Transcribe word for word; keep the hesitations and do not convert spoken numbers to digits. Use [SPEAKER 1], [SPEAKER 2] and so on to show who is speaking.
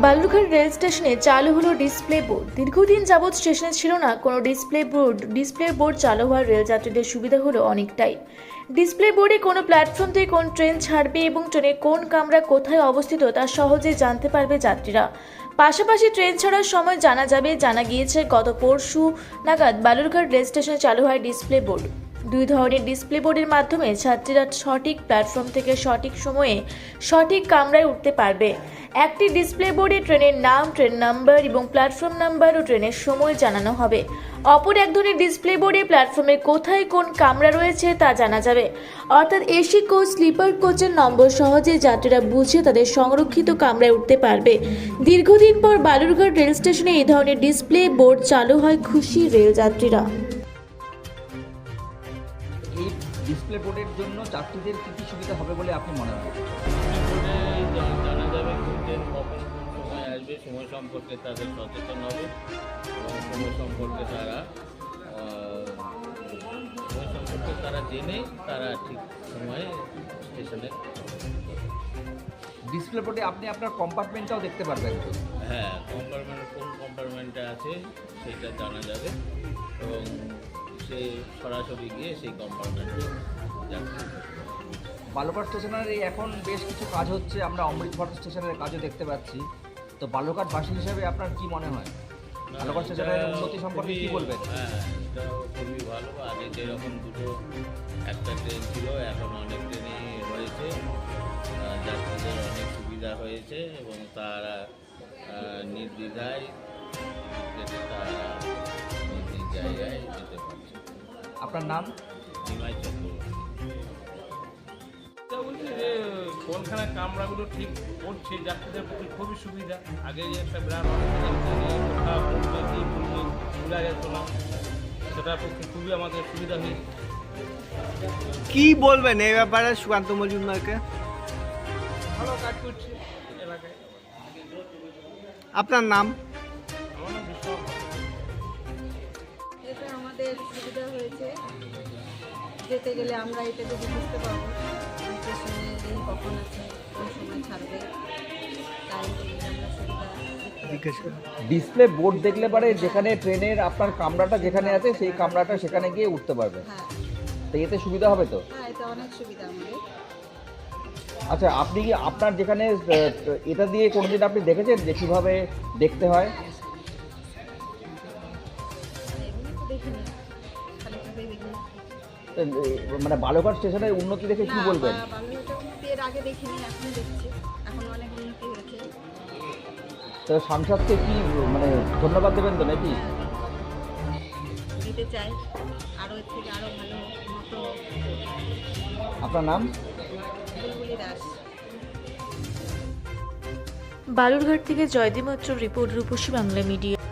[SPEAKER 1] Balurghat rail স্টেশনে চালু হলো ডিসপ্লে বোর্ড। দীর্ঘদিন যাবৎ স্টেশনে ছিল না কোনো ডিসপ্লে বোর্ড। ডিসপ্লে বোর্ড চালু হওয়ার রেল যাত্রীদের সুবিধা হলো অনেকটাই। ডিসপ্লে বোর্ডে কোনো প্ল্যাটফর্ম থেকে কোন ট্রেন ছাড়বে এবং ট্রেনের কোন কামরা কোথায় অবস্থিত তা সহজে জানতে পারবে যাত্রীরা। পাশাপাশি ট্রেন ছাড়ার সময় জানা যাবে। জানা গিয়েছে গত পরশু নাগাদ বালুরঘাট রেল স্টেশনে চালু হয় ডিসপ্লে বোর্ড। দুই ধরনের ডিসপ্লে বোর্ডের মাধ্যমে যাত্রীরা সঠিক প্ল্যাটফর্ম থেকে সঠিক সময়ে সঠিক কামরায় উঠতে পারবে। একটি ডিসপ্লে বোর্ডে ট্রেনের নাম, ট্রেন নাম্বার এবং প্ল্যাটফর্ম নাম্বার ও ট্রেনের সময় জানানো হবে। অপর এক ধরনের ডিসপ্লে বোর্ডে প্ল্যাটফর্মে কোথায় কোন কামরা রয়েছে তা জানা যাবে। অর্থাৎ এসি কোচ, স্লিপার কোচের নম্বর সহজে যাত্রীরা বুঝে তাদের সংরক্ষিত কামরায় উঠতে পারবে। দীর্ঘদিন পর বালুরঘাট রেল স্টেশনে এই ধরনের ডিসপ্লে বোর্ড চালু হয়, খুশি রেল যাত্রীরা।
[SPEAKER 2] এই ডিসপ্লে বোর্ডের জন্য যাত্রীদের কী কী সুবিধা হবে বলে আপনি মনে হয়?
[SPEAKER 3] জানা যাবে কোন ট্রেন কখন কোন সময় আসবে, সময় সম্পর্কে তাদের সচেতন হবে এবং সময় সম্পর্কে তারা সময় সম্পর্কে তারা জেনে তারা ঠিক সময়ে স্টেশনে।
[SPEAKER 2] ডিসপ্লে বোর্ডে আপনি আপনার কম্পার্টমেন্টটাও দেখতে পারবেন তো?
[SPEAKER 3] হ্যাঁ, কম্পার্টমেন্ট কোন কম্পার্টমেন্টে আছে সেটা জানা যাবে এবং সে সরাসরি গিয়ে সেই কম্পার্টমেন্টে যাচ্ছে।
[SPEAKER 2] বালুরঘাট স্টেশনের এই এখন বেশ কিছু কাজ হচ্ছে, আমরা অমৃতসর স্টেশনের কাজও দেখতে পাচ্ছি। তো বালুরঘাটবাসী হিসেবে আপনার কি মনে হয় বালুরঘাট স্টেশনের উন্নতি সম্পর্কে কি বলবেন?
[SPEAKER 3] হ্যাঁ, এটা খুবই ভালো। আগে যেরকম দুটো একটা ট্রেন ছিল, এখন অনেক ট্রেনই হয়েছে, যাত্রীদের অনেক সুবিধা হয়েছে এবং তারা নির্দ্বিধায় যেতে তারা নিজ নিজ জায়গায় যেতে পারছে।
[SPEAKER 2] আপনার নাম?
[SPEAKER 3] নিমাই চক্রবর্তী।
[SPEAKER 4] বলছি যে কোনখানে কামরাগুলো ঠিক করছে যাত্রীদের পক্ষে খুবই সুবিধা। আগে যে একটা বিরাট ভুলা যেত না, সেটার পক্ষে খুবই আমাদের সুবিধা হয়েছে।
[SPEAKER 5] কি বলবেন এই ব্যাপারে সুকান্ত মজুমদারকে?
[SPEAKER 4] ভালো কাজ করছে এলাকায়।
[SPEAKER 5] আপনার নাম?
[SPEAKER 4] আমার নাম বিশ্বাস।
[SPEAKER 6] এটা আমাদের সুবিধা হয়েছে, যেতে গেলে আমরা এটা যদি বুঝতে পারবো স্টেশনে এই কখন আছে, কোন সময় ছাড়বে, টাইম টেবিল আমরা সুবিধা
[SPEAKER 5] জিজ্ঞেস করুন।
[SPEAKER 2] ডিসপ্লে বোর্ড দেখলে পারে যেখানে ট্রেনের আপনার কামরাটা যেখানে আছে সেই কামরাটা সেখানে গিয়ে উঠতে পারবে।
[SPEAKER 6] হ্যাঁ
[SPEAKER 2] তো এতে সুবিধা হবে তো?
[SPEAKER 6] হ্যাঁ এটা অনেক সুবিধা আমাদের।
[SPEAKER 2] আচ্ছা, আপনি কি আপনার যেখানে আহ, এটা দিয়ে কোনোদিন আপনি দেখেছেন যে কীভাবে দেখতে হয়?
[SPEAKER 6] এমনি তো দেখিনি, খালি খালি দেখিনি।
[SPEAKER 2] তো, এ, মানে বালুরঘাট স্টেশনের উন্নতি দেখে কি
[SPEAKER 6] না,
[SPEAKER 2] বলবেন?
[SPEAKER 6] বা- বালুরঘাটের উন্নতি এর আগে দেখিনি, এখন দেখছি, এখন অনেক উন্নতি হয়েছে।
[SPEAKER 2] তো সাংসদকে কি মানে ধন্যবাদ দেবেন তো নাকি?
[SPEAKER 6] দিতে চাই, আরও এর থেকে আরও ভালো মতো।
[SPEAKER 2] আপনার নাম?
[SPEAKER 6] বুলবুলি দাস।
[SPEAKER 1] বালুরঘাট থেকে জয়দীপ মৈত্র রিপোর্ট, রূপসী বাংলা মিডিয়া।